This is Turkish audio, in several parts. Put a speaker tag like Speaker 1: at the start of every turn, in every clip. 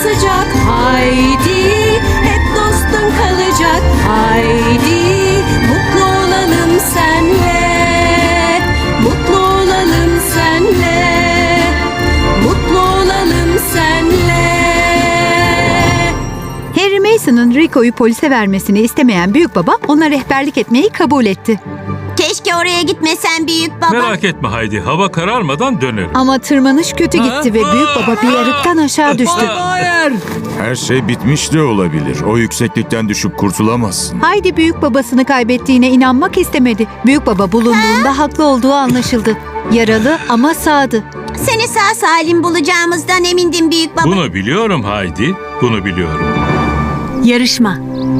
Speaker 1: sıcak. Haydi, hep dostun kalacak. Haydi, mutlu olalım senle. Mutlu olalım senle. Mutlu olalım senle.
Speaker 2: Harry Mason'ın Rico'yu polise vermesini istemeyen büyükbaba ona rehberlik etmeyi kabul etti.
Speaker 3: Keşke oraya gitmesen büyük baba.
Speaker 4: Merak etme Haydi, hava kararmadan dönerim.
Speaker 2: Ama tırmanış kötü gitti ve büyükbaba bir yarıktan aşağı düştü.
Speaker 5: Her şey bitmiş de olabilir. O yükseklikten düşüp kurtulamazsın.
Speaker 2: Haydi büyükbabasını kaybettiğine inanmak istemedi. Büyükbaba bulunduğunda haklı olduğu anlaşıldı. Yaralı ama sağdı.
Speaker 3: Seni sağ salim bulacağımızdan emindim büyük baba.
Speaker 4: Bunu biliyorum Haydi, bunu biliyorum.
Speaker 2: Yarışma.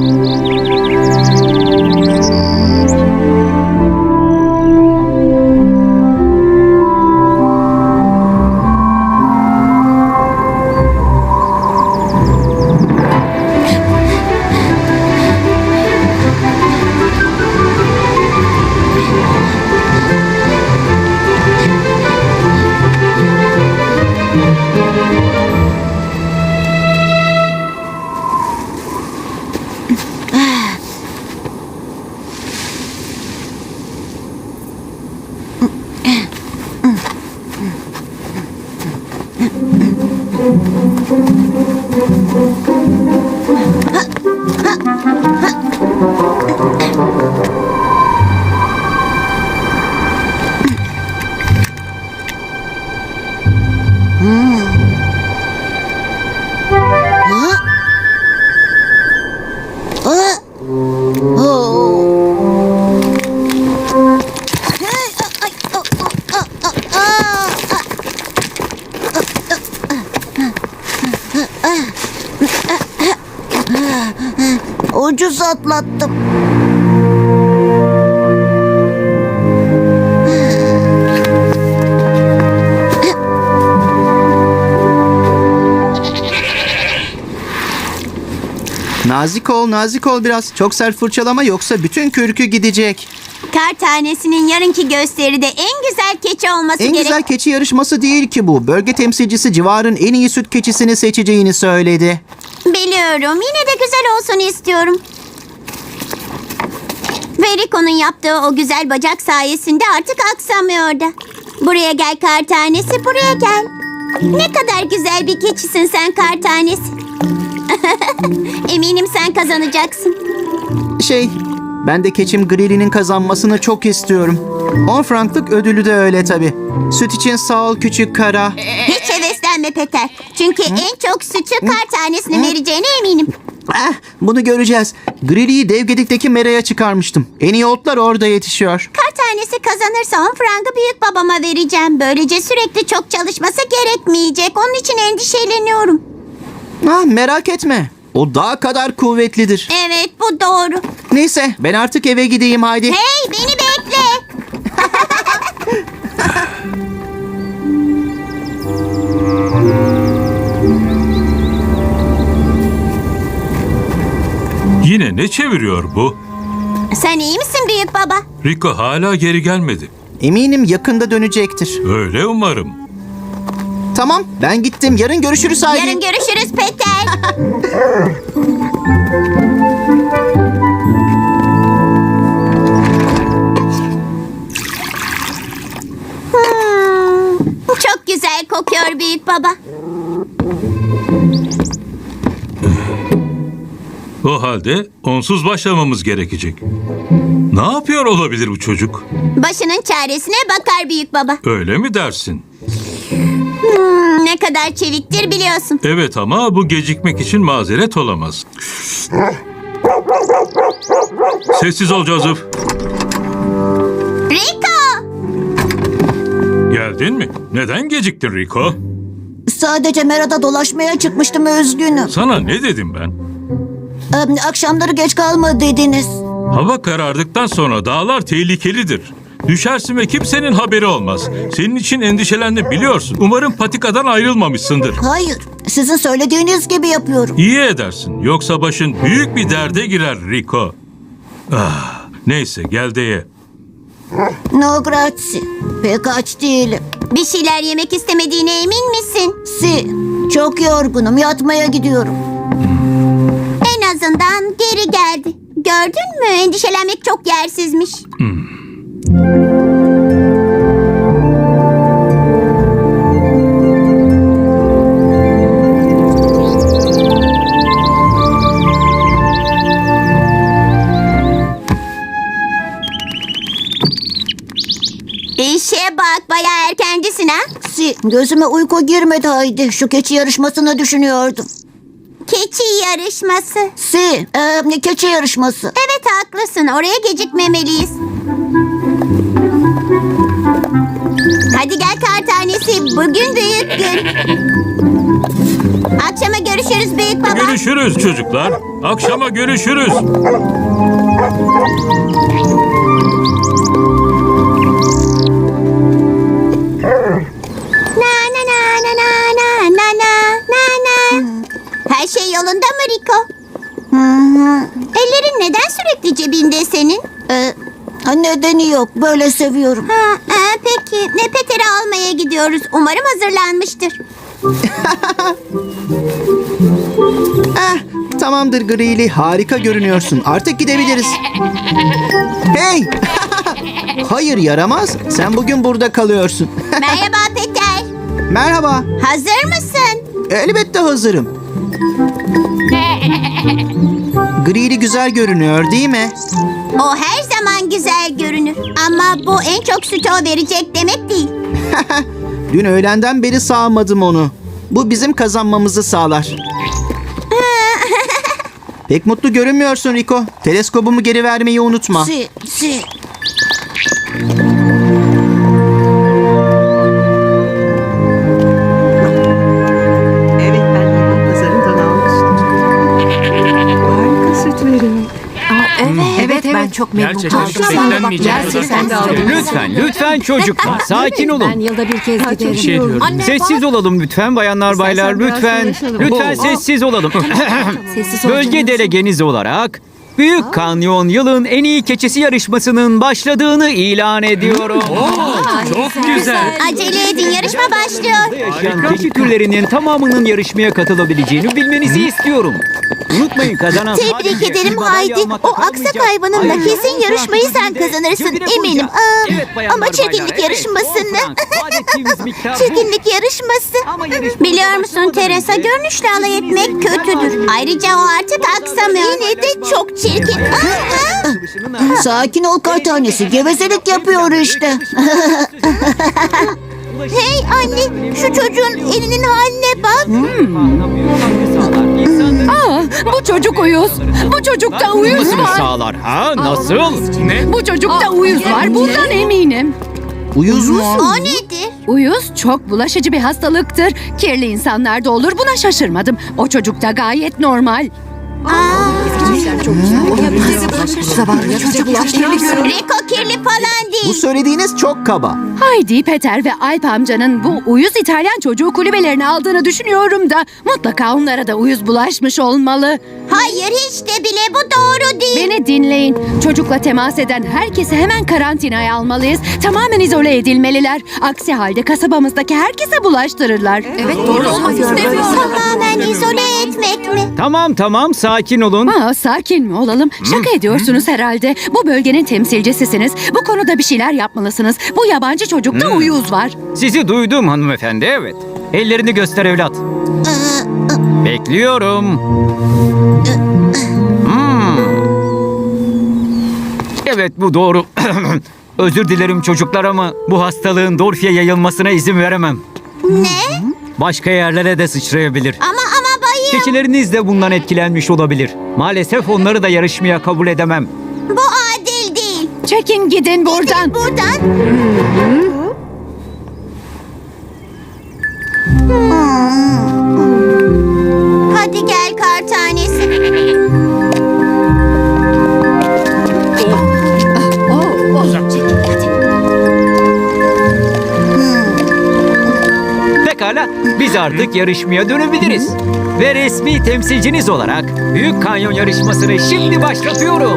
Speaker 3: Ucuz atlattım.
Speaker 6: Nazik ol biraz. Çok sert fırçalama yoksa bütün kürkü gidecek.
Speaker 3: Kar tanesinin yarınki gösteride en güzel keçi olması
Speaker 6: En
Speaker 3: gerek.
Speaker 6: güzel keçi yarışması değil ki bu. Bölge temsilcisi civarın en iyi süt keçisini seçeceğini söyledi.
Speaker 3: Biliyorum. Yine de güzel olsun istiyorum. Ve Rico'nun yaptığı o güzel bacak sayesinde artık aksamıyor da. Buraya gel kar tanesi, buraya gel. Ne kadar güzel bir keçisin sen kar tanesi. Eminim sen kazanacaksın.
Speaker 6: Ben de keçim Grilli'nin kazanmasını çok istiyorum. 10 franklık ödülü de öyle tabii. Süt için sağ ol küçük kara.
Speaker 3: Hiç heveslenme Peter. Çünkü en çok sütü kar tanesine vereceğine eminim.
Speaker 6: Bunu göreceğiz. Grilli'yi Devgedik'teki meraya çıkarmıştım. En iyi otlar orada yetişiyor.
Speaker 3: Kar tanesi kazanırsa 10 frangı büyük babama vereceğim. Böylece sürekli çok çalışması gerekmeyecek. Onun için endişeleniyorum.
Speaker 6: Merak etme. O daha kadar kuvvetlidir.
Speaker 3: Evet, bu doğru.
Speaker 6: Neyse ben artık eve gideyim haydi.
Speaker 3: Hey, beni bekle.
Speaker 4: Yine ne çeviriyor bu?
Speaker 3: Sen iyi misin büyük baba?
Speaker 4: Rico hala geri gelmedi.
Speaker 6: Eminim yakında dönecektir.
Speaker 4: Öyle umarım.
Speaker 6: Tamam ben gittim. Yarın görüşürüz haydi.
Speaker 3: Yarın görüşürüz Peter. Çok güzel kokuyor büyük baba.
Speaker 4: O halde onsuz başlamamız gerekecek. Ne yapıyor olabilir bu çocuk?
Speaker 3: Başının çaresine bakar büyük baba.
Speaker 4: Öyle mi dersin?
Speaker 3: Ne kadar çeviktir biliyorsun.
Speaker 4: Evet ama bu gecikmek için mazeret olamaz. Sessiz ol Joseph.
Speaker 3: Rico!
Speaker 4: Geldin mi? Neden geciktin Rico?
Speaker 3: Sadece merada dolaşmaya çıkmıştım, üzgünüm.
Speaker 4: Sana ne dedim ben?
Speaker 3: Akşamları geç kalma dediniz.
Speaker 4: Hava karardıktan sonra dağlar tehlikelidir. Düşersin ve kimsenin haberi olmaz. Senin için endişelendim biliyorsun. Umarım patikadan ayrılmamışsındır.
Speaker 3: Hayır, sizin söylediğiniz gibi yapıyorum.
Speaker 4: İyi edersin. Yoksa başın büyük bir derde girer Rico. Neyse gel de ye.
Speaker 3: No grazie. Pek aç değilim. Bir şeyler yemek istemediğine emin misin? Si. Çok yorgunum. Yatmaya gidiyorum. En azından geri geldi. Gördün mü? Endişelenmek çok yersizmiş. İşe bak, bayağı erkencisin ha?
Speaker 7: Gözüme uyku girmedi Haydi. Şu keçi yarışmasını düşünüyordum.
Speaker 3: Keçi yarışması.
Speaker 7: Keçi yarışması.
Speaker 3: Evet, haklısın. Oraya gecikmemeliyiz. Hadi gel kar tanesi. Bugün büyük gün. Akşama görüşürüz büyük baba.
Speaker 4: Görüşürüz çocuklar. Akşama görüşürüz.
Speaker 3: Na na na na na na na na na na. Her şey yolunda mı Rico? Ellerin neden sürekli cebinde senin?
Speaker 7: Nedeni yok. Böyle seviyorum.
Speaker 3: Peki. Peter'i almaya gidiyoruz. Umarım hazırlanmıştır.
Speaker 6: Tamamdır Grili, harika görünüyorsun. Artık gidebiliriz. Hey! Hayır yaramaz. Sen bugün burada kalıyorsun.
Speaker 3: Merhaba Peter.
Speaker 6: Merhaba.
Speaker 3: Hazır mısın?
Speaker 6: Elbette hazırım. Grili güzel görünüyor değil mi?
Speaker 3: O her zaman güzel görünür. Ama bu en çok sütü o verecek demek değil.
Speaker 6: Dün öğlenden beri sağmadım onu. Bu bizim kazanmamızı sağlar. Pek mutlu görünmüyorsun Rico. Teleskobumu geri vermeyi unutma.
Speaker 8: Evet, ben hayvan pazarından almıştım. Harika süt veriyor.
Speaker 2: Evet, ben çok memnun
Speaker 9: Gerçekten
Speaker 2: kaldım.
Speaker 9: beklenmeyecek.
Speaker 2: Gerçekten de aldım.
Speaker 9: Lütfen çocuklar sakin
Speaker 2: Ben
Speaker 9: olun.
Speaker 2: yılda bir kez giderim.
Speaker 9: Bir şey diyorum. Sessiz olalım lütfen bayanlar baylar
Speaker 8: biraz
Speaker 9: lütfen.
Speaker 8: konuşalım.
Speaker 9: Lütfen sessiz olalım.
Speaker 2: Sessiz
Speaker 9: Bölge
Speaker 2: olacaksınız.
Speaker 9: delegeniz olarak Büyük Kanyon yılın en iyi keçisi yarışmasının başladığını ilan ediyorum.
Speaker 4: Çok güzel.
Speaker 3: Acele edin, yarışma başlıyor.
Speaker 9: Yaşayan keçi türlerinin tamamının yarışmaya katılabileceğini bilmenizi istiyorum. Unutmayın kazanan
Speaker 3: Tebrik
Speaker 9: sadece
Speaker 3: ederim
Speaker 9: bir madalya
Speaker 3: Haydi.
Speaker 9: almakla
Speaker 3: O aksak
Speaker 9: kalmayacak.
Speaker 3: hayvanınla
Speaker 9: Ayrıca
Speaker 3: kesin yarışmayı sen
Speaker 9: fotoğraf
Speaker 3: kazanırsın,
Speaker 9: cebine
Speaker 3: eminim.
Speaker 9: koyacağız. Evet, bayanlar,
Speaker 3: Ama çirkinlik
Speaker 9: baylar,
Speaker 3: yarışmasını.
Speaker 9: 10 frank. Vaat ettiğimiz miktar bu.
Speaker 3: Çirkinlik yarışması.
Speaker 9: Ama yarışmamıza
Speaker 3: Biliyor musun
Speaker 9: başlamadan
Speaker 3: Teresa,
Speaker 9: önce
Speaker 3: görünüşle alay etmek kötüdür. Ayrıca o artık aksamıyor. Yine de çok çirkin.
Speaker 7: Sakin ol kar tanesi. Gevezelik yapıyor işte.
Speaker 3: Hey anne, şu çocuğun elinin haline bak.
Speaker 1: Bu çocuk uyuz. Bu çocukta uyuz var.
Speaker 9: Sağlar ha? Nasıl? Ne?
Speaker 1: Bu çocukta uyuz var. Bundan eminim.
Speaker 6: Uyuz musun?
Speaker 3: O nedir?
Speaker 1: Uyuz çok bulaşıcı bir hastalıktır. Kirli insanlarda olur. Buna şaşırmadım. O çocukta gayet normal.
Speaker 2: Zavallı çocuklar.
Speaker 3: Rico kirli falan
Speaker 6: Bu
Speaker 3: değil.
Speaker 6: söylediğiniz çok kaba.
Speaker 1: Haydi, Peter ve Alp amcanın bu uyuz İtalyan çocuğu kulübelerine aldığını düşünüyorum da mutlaka onlara da uyuz bulaşmış olmalı.
Speaker 3: Hayır, hiç de bile bu doğru değil.
Speaker 1: Beni dinleyin. Çocukla temas eden herkesi hemen karantinaya almalıyız. Tamamen izole edilmeliler. Aksi halde kasabamızdaki herkese bulaştırırlar.
Speaker 2: Evet, doğru olmak istemiyorum.
Speaker 3: Tamamen izole etmek mi?
Speaker 9: Tamam sakin olun.
Speaker 1: Sakin mi olalım? Şaka ediyorsunuz herhalde. Bu bölgenin temsilcisisiniz. Bu konuda bir şeyler yapmalısınız. Bu yabancı çocukta uyuz var.
Speaker 9: Sizi duydum hanımefendi evet. Ellerini göster evlat. Bekliyorum. Evet bu doğru. Özür dilerim çocuklar ama bu hastalığın Dorfi'ye yayılmasına izin veremem.
Speaker 3: Ne?
Speaker 9: Başka yerlere de sıçrayabilir.
Speaker 3: Ama bayım.
Speaker 9: Keçileriniz de bundan etkilenmiş olabilir. Maalesef onları da yarışmaya kabul edemem.
Speaker 3: Bu adil değil.
Speaker 1: Çekin gidin buradan.
Speaker 3: Buradan. Hadi gel kar tanesi.
Speaker 9: Pekala, biz artık yarışmaya dönebiliriz. Ve resmi temsilciniz olarak Büyük Kanyon yarışmasını şimdi başlatıyorum.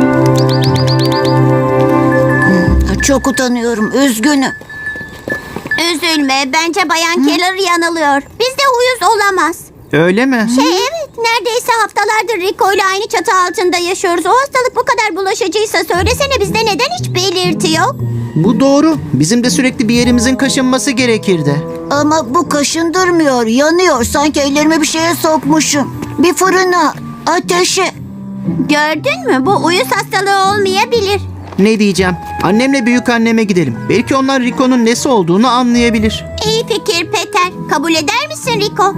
Speaker 7: Çok utanıyorum. Üzgünüm.
Speaker 3: Üzülme, bence Bayan Keller yanılıyor. Bizde uyuz olamaz.
Speaker 6: Öyle mi?
Speaker 3: Evet, neredeyse haftalardır Rico ile aynı çatı altında yaşıyoruz. O hastalık bu kadar bulaşıcıysa söylesene bizde neden hiç belirti yok?
Speaker 6: Bu doğru. Bizim de sürekli bir yerimizin kaşınması gerekirdi.
Speaker 7: Ama bu kaşındırmıyor, yanıyor. Sanki ellerime bir şeye sokmuşum. Bir fırına, ateşe.
Speaker 3: Gördün mü? Bu uyuz hastalığı olmayabilir.
Speaker 6: Ne diyeceğim? Annemle büyük anneme gidelim. Belki onlar Rico'nun nesi olduğunu anlayabilir.
Speaker 3: İyi fikir Peter. Kabul eder misin Rico?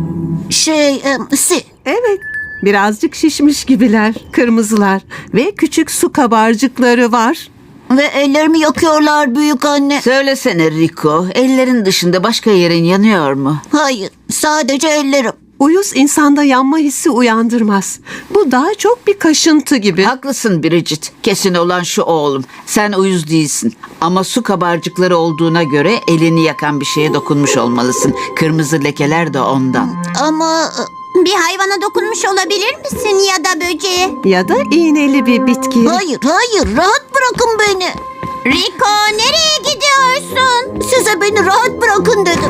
Speaker 8: Evet. Birazcık şişmiş gibiler. Kırmızılar. Ve küçük su kabarcıkları var.
Speaker 7: Ve ellerimi yakıyorlar büyük anne.
Speaker 10: Söylesene Rico, ellerin dışında başka yerin yanıyor mu?
Speaker 7: Hayır, sadece ellerim.
Speaker 8: Uyuz insanda yanma hissi uyandırmaz. Bu daha çok bir kaşıntı gibi.
Speaker 10: Haklısın Bridget. Kesin olan şu oğlum. Sen uyuz değilsin. Ama su kabarcıkları olduğuna göre elini yakan bir şeye dokunmuş olmalısın. Kırmızı lekeler de ondan.
Speaker 7: Ama
Speaker 3: Bir hayvana dokunmuş olabilir misin ya da böceğe?
Speaker 8: Ya da iğneli bir bitki.
Speaker 7: hayır, rahat bırakın beni.
Speaker 3: Rico nereye gidiyorsun?
Speaker 7: Size beni rahat bırakın dedim.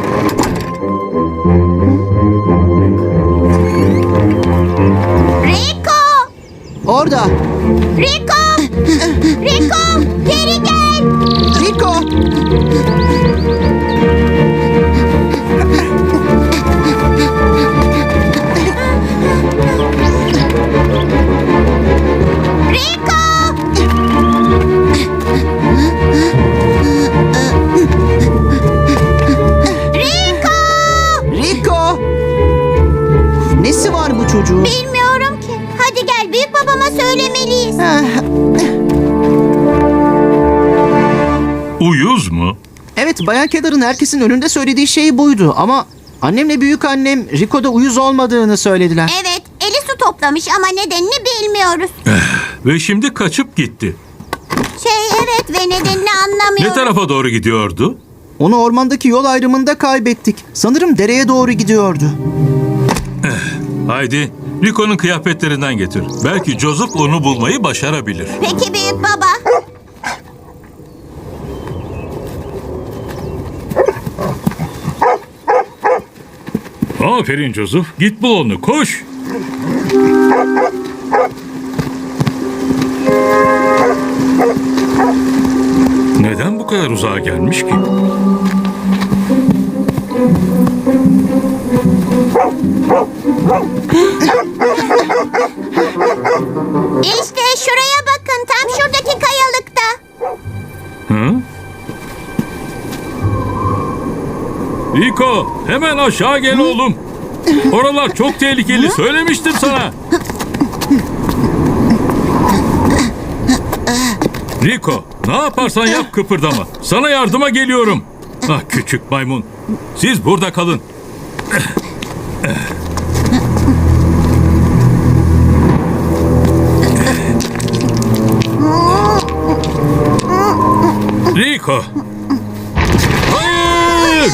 Speaker 3: Rico!
Speaker 6: Orada.
Speaker 3: Rico! Rico! Geri gel!
Speaker 6: Rico!
Speaker 3: Rico! Rico!
Speaker 6: Rico! Nesi var bu çocuğun?
Speaker 3: Bilmiyorum ki. Hadi gel büyük babama söylemeliyiz.
Speaker 4: Uyuz mu?
Speaker 6: Evet, Bayan Keller'ın herkesin önünde söylediği şey buydu ama annemle büyük annem Rico'da uyuz olmadığını söylediler.
Speaker 3: Evet, eli su toplamış ama nedenini bilmiyoruz.
Speaker 4: Ve şimdi kaçıp gitti.
Speaker 3: Evet ve nedenini
Speaker 4: Ne
Speaker 3: anlamıyoruz.
Speaker 4: tarafa doğru gidiyordu?
Speaker 6: Onu ormandaki yol ayrımında kaybettik. Sanırım dereye doğru gidiyordu.
Speaker 4: Haydi Rico'nun kıyafetlerinden getir. Belki Joseph onu bulmayı başarabilir.
Speaker 3: Peki büyük baba.
Speaker 4: Aferin Joseph. Git bul onu. Koş. Neden bu kadar uzağa gelmiş ki?
Speaker 3: İşte şuraya bakın, tam şuradaki kayalıkta.
Speaker 4: Hı? Rico, hemen aşağı gel oğlum. Oralar çok tehlikeli. Söylemiştim sana. Rico, ne yaparsan yap kıpırdama. Sana yardıma geliyorum. Ah küçük maymun. Siz burada kalın. Rico. Hayır!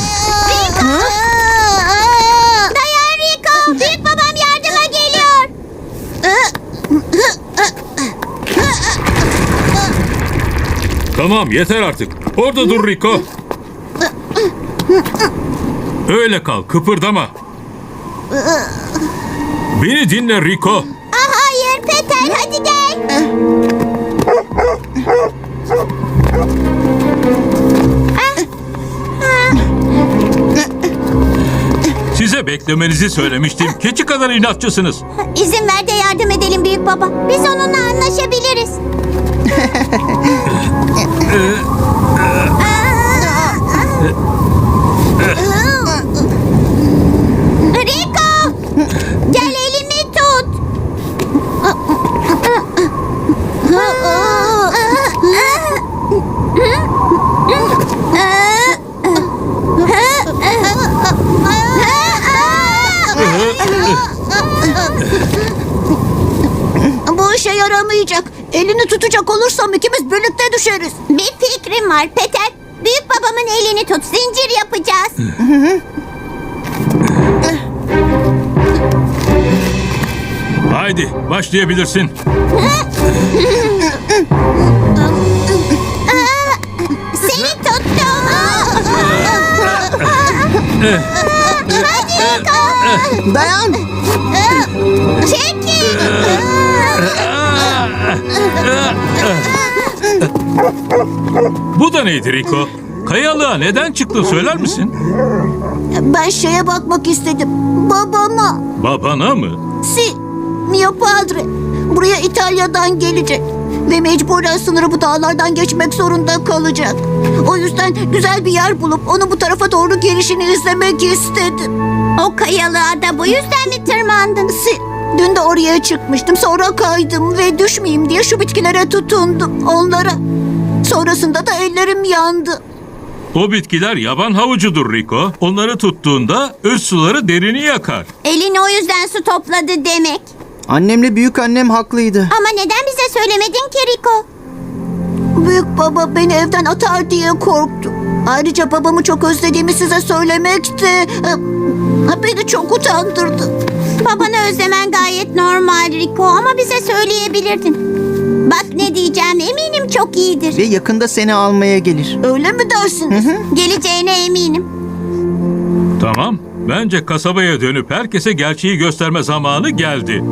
Speaker 3: Dayan Rico, büyük babam yardıma geliyor.
Speaker 4: Tamam yeter artık. Orada dur Rico. Öyle kal kıpırdama. Beni dinle Rico.
Speaker 3: Hayır Peter, hadi gel.
Speaker 4: Size beklemenizi söylemiştim. Keçi kadar inatçısınız.
Speaker 3: İzin ver de yardım edelim büyük baba. Biz onunla anlaşabiliriz. Rico! Gel elimi tut.
Speaker 7: Bu işe yaramayacak. Elini tutacak olursam ikimiz birlikte düşeriz.
Speaker 3: Bir fikrim var Peter. Büyük babamın elini tut. Zincir yapacağız.
Speaker 4: Haydi başlayabilirsin.
Speaker 3: Seni tuttum.
Speaker 6: Dayan.
Speaker 3: Çekil.
Speaker 4: Bu da neydi Rico? Kayalığa neden çıktın söyler misin?
Speaker 7: Ben şeye bakmak istedim. Babama.
Speaker 4: Babana mı?
Speaker 7: Si, mio padre. Buraya İtalya'dan gelecek. Ve mecburen sınırı bu dağlardan geçmek zorunda kalacak. O yüzden güzel bir yer bulup onu bu tarafa doğru gelişini izlemek istedim.
Speaker 3: O kayalığa da bu yüzden mi tırmandın?
Speaker 7: Dün de oraya çıkmıştım. Sonra kaydım ve düşmeyeyim diye şu bitkilere tutundum. Onlara. Sonrasında da ellerim yandı.
Speaker 4: O bitkiler yaban havucudur Rico. Onları tuttuğunda öz suları derini yakar.
Speaker 3: Elini o yüzden su topladı demek.
Speaker 6: Annemle büyük annem haklıydı.
Speaker 3: Ama neden bize söylemedin ki Rico?
Speaker 7: Büyük baba beni evden atar diye korktu. Ayrıca babamı çok özlediğimi size söylemek de beni çok utandırdı.
Speaker 3: Babanı özlemen gayet normal Rico ama bize söyleyebilirdin. Bak ne diyeceğim eminim çok iyidir.
Speaker 6: Ve yakında seni almaya gelir.
Speaker 7: Öyle mi dersiniz?
Speaker 3: Geleceğine eminim.
Speaker 4: Tamam. Bence kasabaya dönüp herkese gerçeği gösterme zamanı geldi.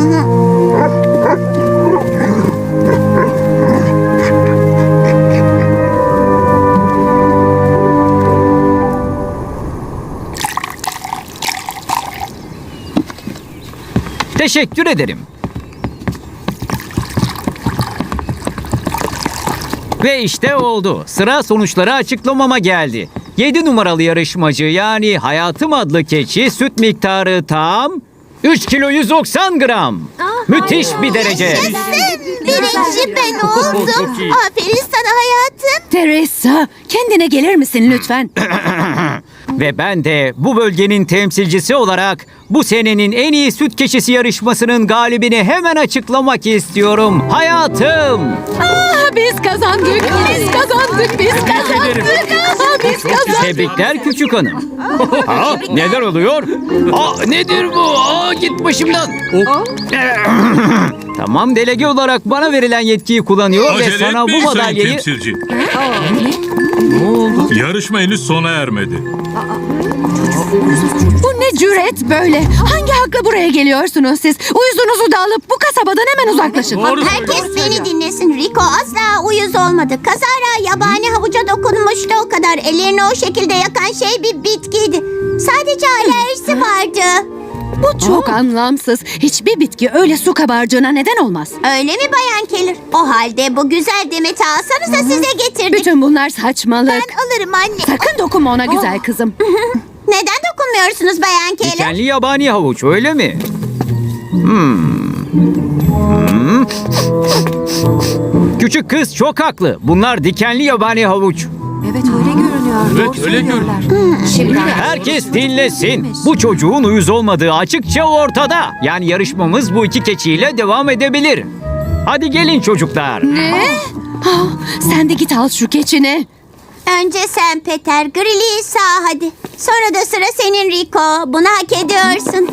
Speaker 9: Teşekkür ederim. Ve işte oldu. Sıra sonuçları açıklamama geldi. 7 numaralı yarışmacı yani Hayatım adlı keçi süt miktarı tam 3 kilo 190 gram. Müthiş bir derece.
Speaker 3: Birinci ben oldum. Aferin sana hayatım.
Speaker 1: Teresa, kendine gelir misin lütfen?
Speaker 9: Ve ben de bu bölgenin temsilcisi olarak bu senenin en iyi süt keçisi yarışmasının galibini hemen açıklamak istiyorum. Hayatım.
Speaker 1: Biz kazandık, biz kazandık, biz kazandık. Biz kazandık.
Speaker 9: Tebrikler küçük hanım. Ha, neler oluyor? Nedir bu? Git başımdan. Tamam, delege olarak bana verilen yetkiyi kullanıyor ve
Speaker 4: Acele
Speaker 9: sana bu
Speaker 4: etmeyin sayın
Speaker 9: madalyayı...
Speaker 4: temsilci. Ne oldu? Yarışma henüz sona ermedi.
Speaker 1: Bu ne cüret böyle? Hangi hakla buraya geliyorsunuz siz? Uyuzunuzu da alıp bu kasabadan hemen uzaklaşın.
Speaker 3: Herkes beni dinlesin. Rico asla uyuz olmadı. Kazara yabani havuca dokunmuştu o kadar. Ellerini o şekilde yakan şey bir bitkiydi. Sadece alerjisi vardı.
Speaker 1: Bu çok anlamsız. Hiçbir bitki öyle su kabarcığına neden olmaz.
Speaker 3: Öyle mi Bayan Keller? O halde bu güzel demeti alsanıza size getirdik.
Speaker 1: Bütün bunlar saçmalık.
Speaker 3: Ben alırım anne.
Speaker 1: Sakın dokunma ona güzel kızım.
Speaker 3: Neden dokunmuyorsunuz Bayan Keller?
Speaker 9: Dikenli yabani havuç öyle mi? Küçük kız çok haklı. Bunlar dikenli yabani havuç.
Speaker 2: Evet öyle görünüyor.
Speaker 4: Evet öyle görünüyor.
Speaker 9: Herkes dinlesin. Bu çocuğun uyuz olmadığı açıkça ortada. Yani yarışmamız bu iki keçiyle devam edebilir. Hadi gelin çocuklar.
Speaker 1: Sen de git al şu keçini.
Speaker 3: Önce sen Peter, Grilli'yi sağ hadi. Sonra da sıra senin Rico. Bunu hak ediyorsun.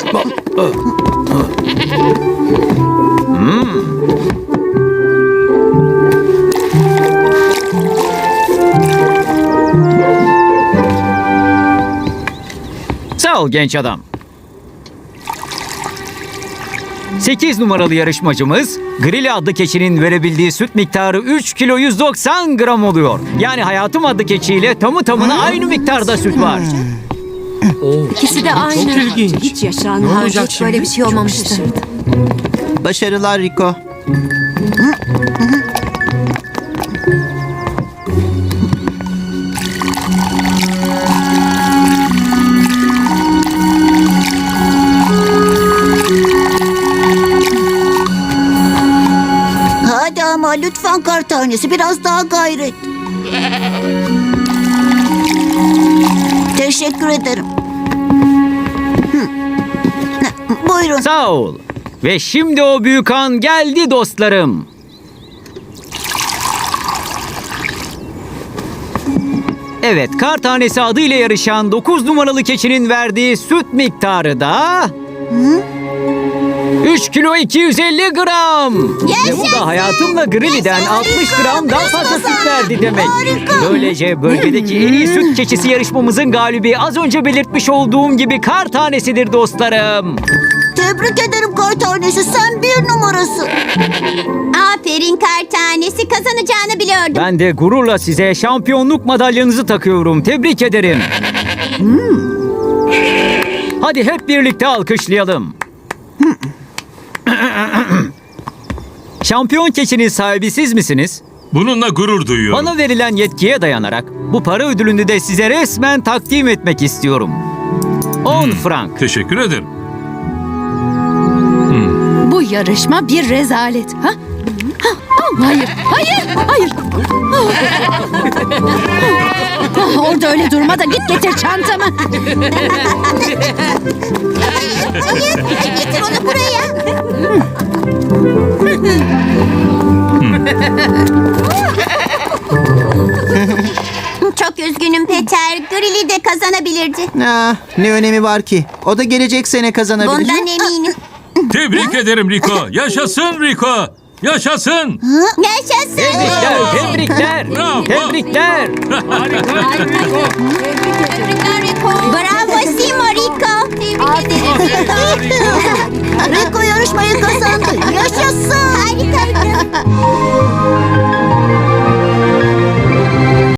Speaker 9: Sağ ol genç adam. 8 numaralı yarışmacımız Grilli adlı keçinin verebildiği süt miktarı 3 kilo 190 gram oluyor. Yani Hayatım adlı keçiyle tamı tamına aynı miktarda süt var.
Speaker 2: İkisi de aynı. Çok ilginç. Hiç yaşanmadı. Hiç böyle bir şey olmamıştı.
Speaker 6: Başarılar Rico.
Speaker 7: Hadi ama lütfen kar tanesi biraz daha gayret. Teşekkür ederim. Buyurun.
Speaker 9: Sağ ol. Ve şimdi o büyük an geldi dostlarım. Evet, kar tanesi adıyla yarışan 9 numaralı keçinin verdiği süt miktarı da... 3 kilo 250 gram. Ve bu da hayatımla Grilli'den 60 gram daha fazla süt verdi demek. Böylece bölgedeki en iyi süt keçisi yarışmamızın galibi az önce belirtmiş olduğum gibi kar tanesidir dostlarım.
Speaker 7: Tebrik ederim kar tanesi. Sen bir numarasın.
Speaker 3: Aferin kar tanesi, kazanacağını biliyordum.
Speaker 9: Ben de gururla size şampiyonluk madalyanızı takıyorum. Tebrik ederim. Hadi hep birlikte alkışlayalım. Şampiyon keçinin sahibi siz misiniz?
Speaker 4: Bununla gurur duyuyorum.
Speaker 9: Bana verilen yetkiye dayanarak bu para ödülünü de size resmen takdim etmek istiyorum. 10 frank.
Speaker 4: Teşekkür ederim.
Speaker 1: Bu yarışma bir rezalet. Ha? Hayır, hayır, hayır. Orada öyle durma da git getir çantamı.
Speaker 3: Getir onu buraya. Çok üzgünüm Peter. Grilli de kazanabilirdi.
Speaker 6: Ne önemi var ki? O da gelecek sene kazanabilir.
Speaker 3: Bundan eminim.
Speaker 4: Tebrik ederim Rico. Yaşasın Rico. Yaşasın.
Speaker 3: Yaşasın.
Speaker 9: Tebrikler, tebrikler.
Speaker 4: Bravo.
Speaker 9: Tebrikler.
Speaker 3: Bravo Simo Rico. Tebrik ederim.
Speaker 7: Rico yarışmayı kazandı. Yaşasın.
Speaker 3: Harika.